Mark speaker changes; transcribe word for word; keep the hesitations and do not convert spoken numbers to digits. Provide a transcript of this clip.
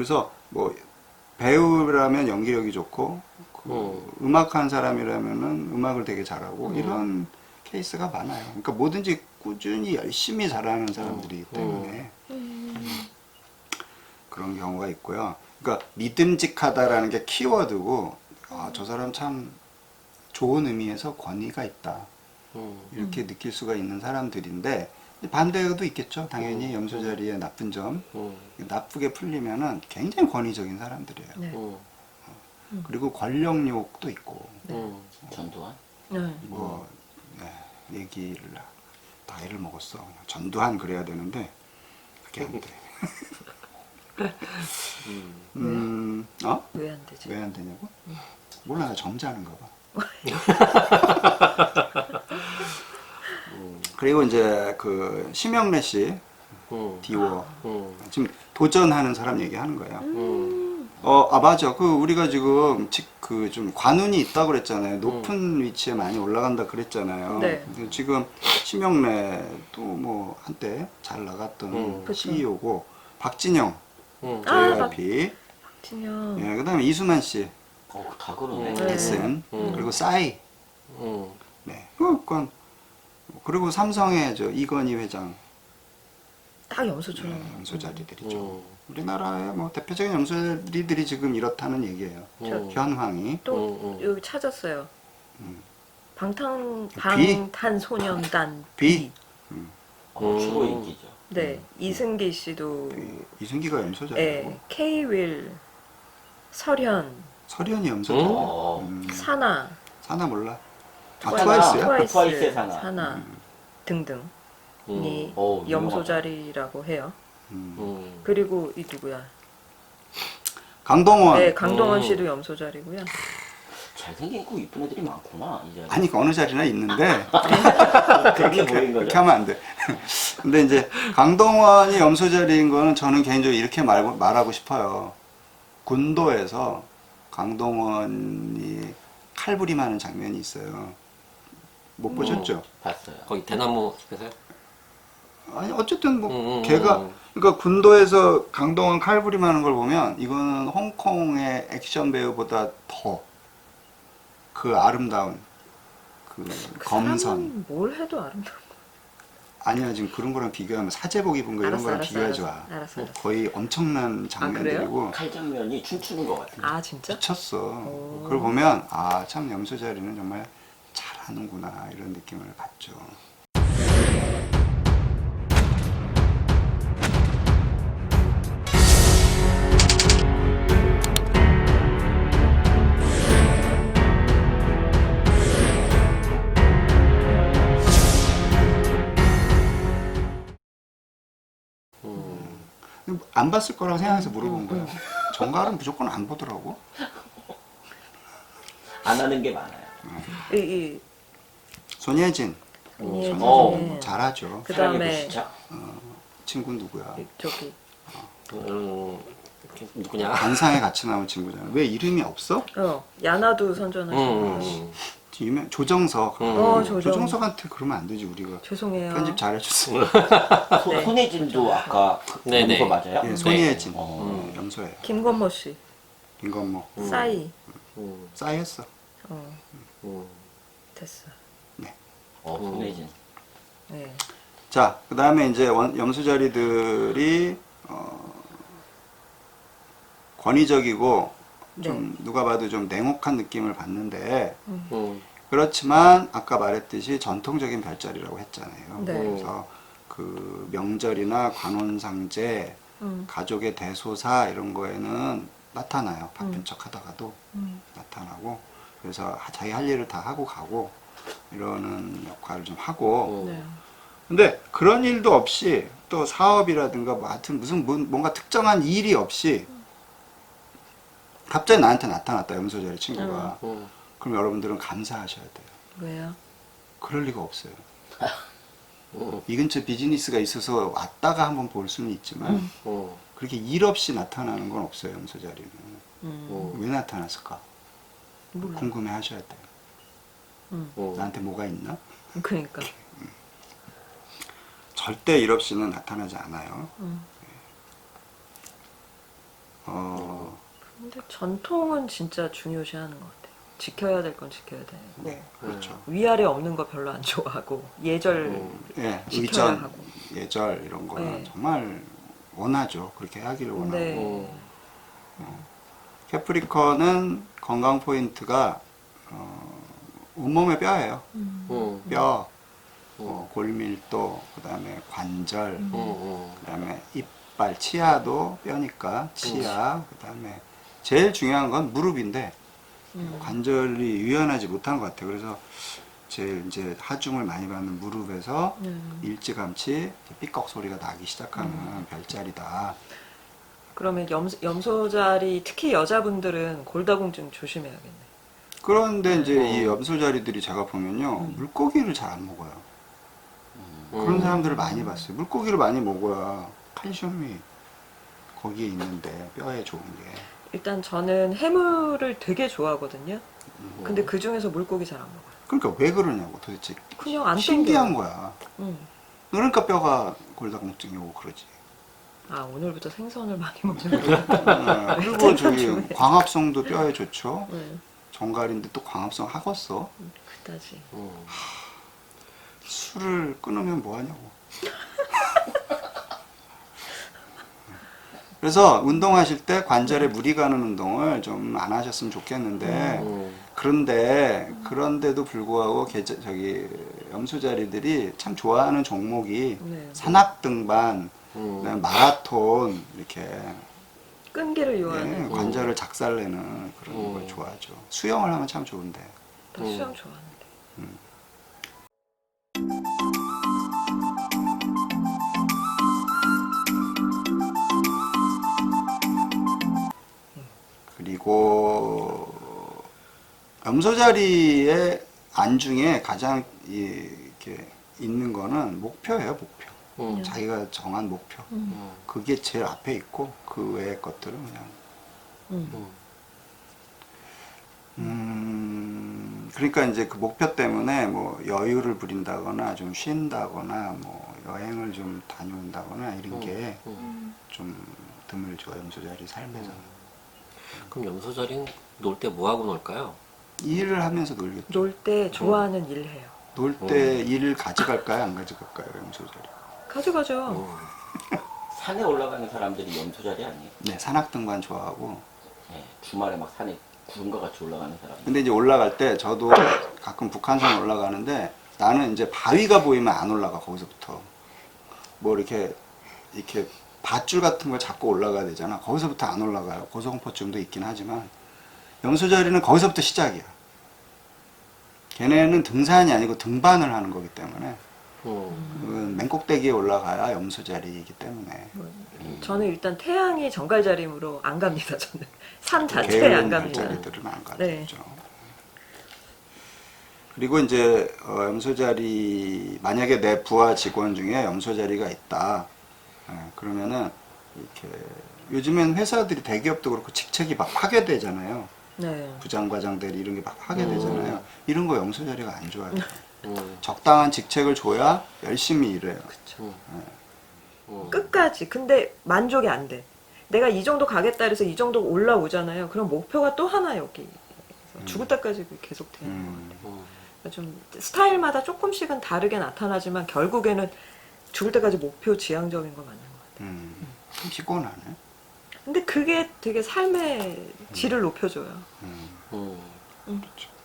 Speaker 1: 그래서 뭐 배우라면 연기력이 좋고 그
Speaker 2: 음.
Speaker 1: 음악하는 사람이라면은 음악을 되게 잘하고
Speaker 2: 음.
Speaker 1: 이런 케이스가 많아요. 그러니까 뭐든지 꾸준히 열심히 잘하는 사람들이기 때문에
Speaker 3: 음.
Speaker 1: 그런 경우가 있고요. 그러니까 믿음직하다라는 게 키워드고 아, 저 사람 참 좋은 의미에서 권위가 있다.
Speaker 2: 음.
Speaker 1: 이렇게 느낄 수가 있는 사람들인데 반대도 있겠죠. 당연히
Speaker 2: 음.
Speaker 1: 염소 자리의 나쁜 점.
Speaker 2: 음.
Speaker 1: 나쁘게 풀리면은 굉장히 권위적인 사람들이에요.
Speaker 3: 네.
Speaker 2: 음.
Speaker 1: 그리고 권력욕도 있고
Speaker 2: 음.
Speaker 4: 전두환?
Speaker 3: 네.
Speaker 1: 뭐 네, 얘기를 나이를 먹었어. 그냥 전두환 그래야 되는데 그게 안 돼.
Speaker 2: 음.
Speaker 1: 음, 어?
Speaker 3: 왜 안 되지?
Speaker 1: 왜 안 되냐고? 몰라, 나 점잖은가 봐. 그리고 이제 그 심영래 씨,
Speaker 2: 음.
Speaker 1: 디워
Speaker 2: 음.
Speaker 1: 지금 도전하는 사람 얘기하는 거예요.
Speaker 2: 음.
Speaker 1: 어, 아 맞아. 그 우리가 지금 그 좀 관운이 있다고 그랬잖아요. 높은 위치에 많이 올라간다 그랬잖아요.
Speaker 3: 네.
Speaker 1: 근데 지금 심영래도 뭐 한때 잘 나갔던
Speaker 2: 음.
Speaker 3: 그쵸.
Speaker 1: 씨이오고 박진영
Speaker 2: 음.
Speaker 3: 아,
Speaker 1: 제이와이피,
Speaker 3: 박진영.
Speaker 1: 예, 그다음에 이수만 씨,
Speaker 4: 어, 다 그러네.
Speaker 2: 음.
Speaker 1: 에스엠,
Speaker 2: 음.
Speaker 1: 그리고 싸이,
Speaker 2: 음.
Speaker 1: 네, 그건 그리고 삼성의 저 이건희 회장,
Speaker 3: 딱 염소처럼.
Speaker 1: 네, 염소자리들이죠.
Speaker 2: 음.
Speaker 1: 우리나라의 뭐 대표적인 염소자리들이 지금 이렇다는 얘기예요.
Speaker 2: 음.
Speaker 1: 현황이.
Speaker 3: 또
Speaker 2: 음, 음.
Speaker 3: 여기 찾았어요.
Speaker 1: 음.
Speaker 3: 방탄
Speaker 1: 비?
Speaker 3: 방탄소년단
Speaker 1: 비?
Speaker 4: 어,
Speaker 2: 음.
Speaker 4: 주로 인기죠.
Speaker 3: 네, 이승기 씨도
Speaker 1: 이- 이승기가 염소자리고
Speaker 3: 네, K-윌, 설현,
Speaker 1: 설현이 염소자리.
Speaker 4: 어.
Speaker 1: 음.
Speaker 3: 사나,
Speaker 1: 사나 몰라. 아
Speaker 3: 트와이스,
Speaker 1: 트와이스야?
Speaker 3: 트와이스,
Speaker 4: 트와이스의 사나.
Speaker 3: 사나 등등이
Speaker 2: 음.
Speaker 4: 어,
Speaker 3: 염소자리라고 해요.
Speaker 1: 음.
Speaker 2: 음.
Speaker 3: 그리고 이 누구야?
Speaker 1: 강동원.
Speaker 3: 네, 강동원
Speaker 2: 음.
Speaker 3: 씨도 염소자리고요.
Speaker 4: 잘생기고 이쁜 애들이 많구나, 이제.
Speaker 1: 아니 그 어느 자리나 있는데
Speaker 4: 그렇게 보인
Speaker 1: 그렇게
Speaker 4: 거죠.
Speaker 1: 하면 안 돼. 근데 이제 강동원이 염소자리인 거는 저는 개인적으로 이렇게 말, 말하고 싶어요. 군도에서 강동원이 칼부림하는 장면이 있어요. 못 보셨죠?
Speaker 4: 봤어요.
Speaker 2: 거기 대나무 숲에서요?
Speaker 1: 아니 어쨌든 뭐
Speaker 2: 음, 음,
Speaker 1: 걔가
Speaker 2: 음.
Speaker 1: 그러니까 군도에서 강동원 칼부림하는 걸 보면 이거는 홍콩의 액션 배우보다 더 그 아름다운 그
Speaker 3: 그
Speaker 1: 검선.
Speaker 3: 사람은 뭘 해도 아름다워.
Speaker 1: 아니야 지금 그런 거랑 비교하면 사제복 입은 거 이런
Speaker 3: 알았어,
Speaker 1: 거랑
Speaker 3: 알았어,
Speaker 1: 비교하지
Speaker 3: 알았어,
Speaker 1: 마.
Speaker 3: 알았어, 알았어.
Speaker 1: 거의 엄청난 장면들이고
Speaker 4: 칼 장면이 춤추는 것 같아요.
Speaker 3: 아 진짜?
Speaker 1: 미쳤어.
Speaker 3: 오.
Speaker 1: 그걸 보면 아 참 염소자리는 정말 잘하는구나 이런 느낌을 받죠.
Speaker 2: 음.
Speaker 1: 안 봤을 거라고 생각해서
Speaker 3: 음,
Speaker 1: 물어본 거야. 정갈은 무조건 안 보더라고.
Speaker 4: 안 하는 게 많아요.
Speaker 3: 이, 이
Speaker 1: 손예진
Speaker 3: 손예진.
Speaker 4: 어.
Speaker 1: 잘하죠.
Speaker 3: 그
Speaker 4: 사랑의
Speaker 3: 다음에
Speaker 4: 불시착.
Speaker 1: 친구 누구야?
Speaker 3: 저기
Speaker 2: 음. 누구냐?
Speaker 1: 관상에 같이 나온 친구잖아. 왜 이름이 없어?
Speaker 3: 어 야나도
Speaker 2: 음.
Speaker 3: 선전하시고
Speaker 2: 음.
Speaker 1: 유명 조정석.
Speaker 2: 음.
Speaker 3: 어 조정
Speaker 1: 조정석한테 그러면 안 되지 우리가.
Speaker 3: 죄송해요.
Speaker 1: 편집 잘해줬어요.
Speaker 4: 소-
Speaker 3: 네.
Speaker 4: 손예진도 아까 그
Speaker 2: 네네.
Speaker 4: 거 맞아요?
Speaker 1: 예, 손예진.
Speaker 4: 어.
Speaker 1: 음, 염소예요.
Speaker 3: 김건모 씨,
Speaker 1: 이건 뭐
Speaker 2: 음.
Speaker 3: 싸이,
Speaker 2: 음.
Speaker 1: 싸이했어.
Speaker 3: 어
Speaker 2: 음.
Speaker 3: 됐어.
Speaker 4: 어, 손예진.
Speaker 3: 네.
Speaker 1: 자, 그 다음에 이제 원, 염소자리들이 어, 권위적이고 좀 누가 봐도 좀 냉혹한 느낌을 받는데
Speaker 2: 음.
Speaker 1: 그렇지만 아까 말했듯이 전통적인 별자리라고 했잖아요.
Speaker 3: 네.
Speaker 1: 그래서 그 명절이나 관혼상제,
Speaker 3: 음.
Speaker 1: 가족의 대소사 이런 거에는 나타나요. 바쁜
Speaker 3: 음.
Speaker 1: 척 하다가도
Speaker 3: 음.
Speaker 1: 나타나고 그래서 자기 할 일을 다 하고 가고 이러는 역할을 좀 하고
Speaker 2: 음.
Speaker 3: 네.
Speaker 1: 근데 그런 일도 없이 또 사업이라든가 뭐 하여튼 무슨 뭐- 뭔가 특정한 일이 없이 갑자기 나한테 나타났다 염소자리 친구가
Speaker 2: 음.
Speaker 1: 그럼 여러분들은 감사하셔야 돼요.
Speaker 3: 왜요?
Speaker 1: 그럴 리가 없어요.
Speaker 2: 음.
Speaker 1: 이 근처 비즈니스가 있어서 왔다가 한번 볼 수는 있지만
Speaker 2: 음.
Speaker 1: 그렇게 일 없이 나타나는 건 없어요 염소자리는.
Speaker 3: 음.
Speaker 2: 음.
Speaker 1: 왜 나타났을까?
Speaker 3: 몰라.
Speaker 1: 궁금해 하셔야 돼요.
Speaker 3: 음.
Speaker 2: 음.
Speaker 1: 나한테 뭐가 있나?
Speaker 3: 그러니까.
Speaker 1: 절대 일 없이는 나타나지 않아요.
Speaker 3: 음.
Speaker 1: 어,
Speaker 3: 근데 전통은 진짜 중요시하는 것 같아요. 지켜야 될 건 지켜야 돼.
Speaker 1: 네, 그렇죠.
Speaker 3: 위아래 없는 거 별로 안 좋아하고 예절
Speaker 2: 음.
Speaker 1: 예,
Speaker 3: 지켜야
Speaker 1: 의전,
Speaker 3: 하고.
Speaker 1: 예절 이런 거는
Speaker 3: 네.
Speaker 1: 정말 원하죠. 그렇게 하기를 원하고.
Speaker 3: 네.
Speaker 1: 캐프리컨은 건강 포인트가 어, 온몸의 뼈예요.
Speaker 3: 음.
Speaker 2: 음.
Speaker 1: 뼈,
Speaker 2: 음.
Speaker 1: 어, 골밀도, 그다음에 관절,
Speaker 3: 음.
Speaker 2: 음.
Speaker 1: 그다음에 이빨, 치아도 뼈니까 치아, 그다음에 제일 중요한 건 무릎인데
Speaker 3: 음.
Speaker 1: 관절이 유연하지 못한 것 같아요. 그래서 제일 이제 하중을 많이 받는 무릎에서
Speaker 3: 음.
Speaker 1: 일찌감치 삐걱 소리가 나기 시작하는
Speaker 3: 음.
Speaker 1: 별자리다.
Speaker 3: 그러면 염, 염소자리 특히 여자분들은 골다공증 조심해야겠네.
Speaker 1: 그런데 이제
Speaker 3: 네.
Speaker 1: 이 염소자리들이 제가 보면요
Speaker 3: 음.
Speaker 1: 물고기를 잘 안 먹어요. 그런
Speaker 2: 음.
Speaker 1: 사람들을 많이 봤어요. 물고기를 많이 먹어야 칼슘이 거기에 있는데 뼈에 좋은 게.
Speaker 3: 일단 저는 해물을 되게 좋아하거든요.
Speaker 1: 음.
Speaker 3: 근데 그 중에서 물고기 잘 안 먹어요.
Speaker 1: 그러니까 왜 그러냐고 도대체.
Speaker 3: 그냥 안
Speaker 1: 신기한
Speaker 3: 땡겨요.
Speaker 1: 거야.
Speaker 3: 음.
Speaker 1: 그러니까 뼈가 골다공증이 오고 그러지.
Speaker 3: 아 오늘부터 생선을 많이 먹는구나.
Speaker 1: 네, 그리고 저기
Speaker 3: 중요해.
Speaker 1: 광합성도 뼈에 좋죠.
Speaker 3: 네,
Speaker 1: 정갈인데 또 광합성 하겠어.
Speaker 3: 그다지.
Speaker 2: 음.
Speaker 1: 술을 끊으면 뭐 하냐고. 그래서 운동하실 때 관절에 무리 가는 운동을 좀 안 하셨으면 좋겠는데
Speaker 2: 음.
Speaker 1: 그런데 그런데도 불구하고 계절, 저기 염소자리들이 참 좋아하는 종목이
Speaker 3: 네.
Speaker 1: 산악 등반,
Speaker 2: 음.
Speaker 1: 그다음에 마라톤 이렇게
Speaker 3: 끈기를
Speaker 1: 예,
Speaker 3: 요하는.
Speaker 1: 관절을 작살내는 그런
Speaker 2: 음.
Speaker 1: 걸 좋아하죠. 수영을 하면 참 좋은데.
Speaker 3: 나
Speaker 2: 음.
Speaker 3: 수영 좋아하는데.
Speaker 1: 그리고 염소자리의 안중에 가장 이- 이렇게 있는 거는 목표예요, 목표.
Speaker 2: 음.
Speaker 1: 자기가 정한 목표.
Speaker 3: 음.
Speaker 2: 음.
Speaker 1: 그게 제일 앞에 있고 그 외의 것들은 그냥
Speaker 3: 음.
Speaker 2: 음.
Speaker 1: 음 그러니까 이제 그 목표 때문에 뭐 여유를 부린다거나 좀 쉰다거나 뭐 여행을 좀 다녀온다거나 이런 게
Speaker 2: 음.
Speaker 1: 좀 드물죠, 염소자리 삶에서.
Speaker 2: 그럼 염소자리는 놀 때 뭐 하고 놀까요?
Speaker 1: 일을 하면서 놀겠죠.
Speaker 3: 놀 때 좋아하는 일 해요.
Speaker 1: 놀 때 일을 가져갈까요, 안 가져갈까요, 염소자리?
Speaker 3: 가져가죠.
Speaker 2: 음.
Speaker 4: 산에 올라가는 사람들이 염소자리 아니에요?
Speaker 1: 네, 산악등반 좋아하고.
Speaker 4: 네, 주말에 막 산에 구름과 같이 올라가는 사람들.
Speaker 1: 근데 이제 올라갈 때 저도 가끔 북한산 올라가는데 나는 이제 바위가 보이면 안 올라가, 거기서부터. 뭐 이렇게 이렇게 밧줄 같은 걸 잡고 올라가야 되잖아. 거기서부터 안 올라가요. 고소공포증도 있긴 하지만 염소자리는 거기서부터 시작이야. 걔네는 등산이 아니고 등반을 하는 거기 때문에
Speaker 2: 음.
Speaker 1: 그건 맨꼭대기에 올라가야 염소자리이기 때문에
Speaker 3: 저는 일단 태양이 정갈자림으로 안 갑니다. 저는 산 자체에
Speaker 1: 게으른
Speaker 3: 안 갑니다.
Speaker 1: 별자리들은 안 가죠.
Speaker 3: 네.
Speaker 1: 그리고 이제 어, 염소자리 만약에 내 부하 직원 중에 염소자리가 있다. 예, 그러면은 이렇게 요즘엔 회사들이 대기업도 그렇고 직책이 막 파괴되잖아요.
Speaker 3: 네.
Speaker 1: 부장과장들 이런 게 막 파괴되잖아요.
Speaker 2: 음.
Speaker 1: 이런 거 염소자리가 안 좋아요.
Speaker 2: 음.
Speaker 1: 적당한 직책을 줘야 열심히 일해요.
Speaker 2: 음. 음.
Speaker 3: 끝까지. 근데 만족이 안 돼. 내가 이 정도 가겠다 해서 이 정도 올라오잖아요. 그럼 목표가 또 하나 여기. 그래서 죽을 때까지 계속 되는 거예요.
Speaker 1: 음,
Speaker 2: 음.
Speaker 3: 좀 스타일마다 조금씩은 다르게 나타나지만 결국에는 죽을 때까지 목표 지향적인 거 맞는 것 같아요.
Speaker 1: 음, 좀 피곤하네.
Speaker 3: 근데 그게 되게 삶의 질을 높여줘요.
Speaker 1: 음,
Speaker 2: 음.
Speaker 3: 음.
Speaker 1: 그렇죠.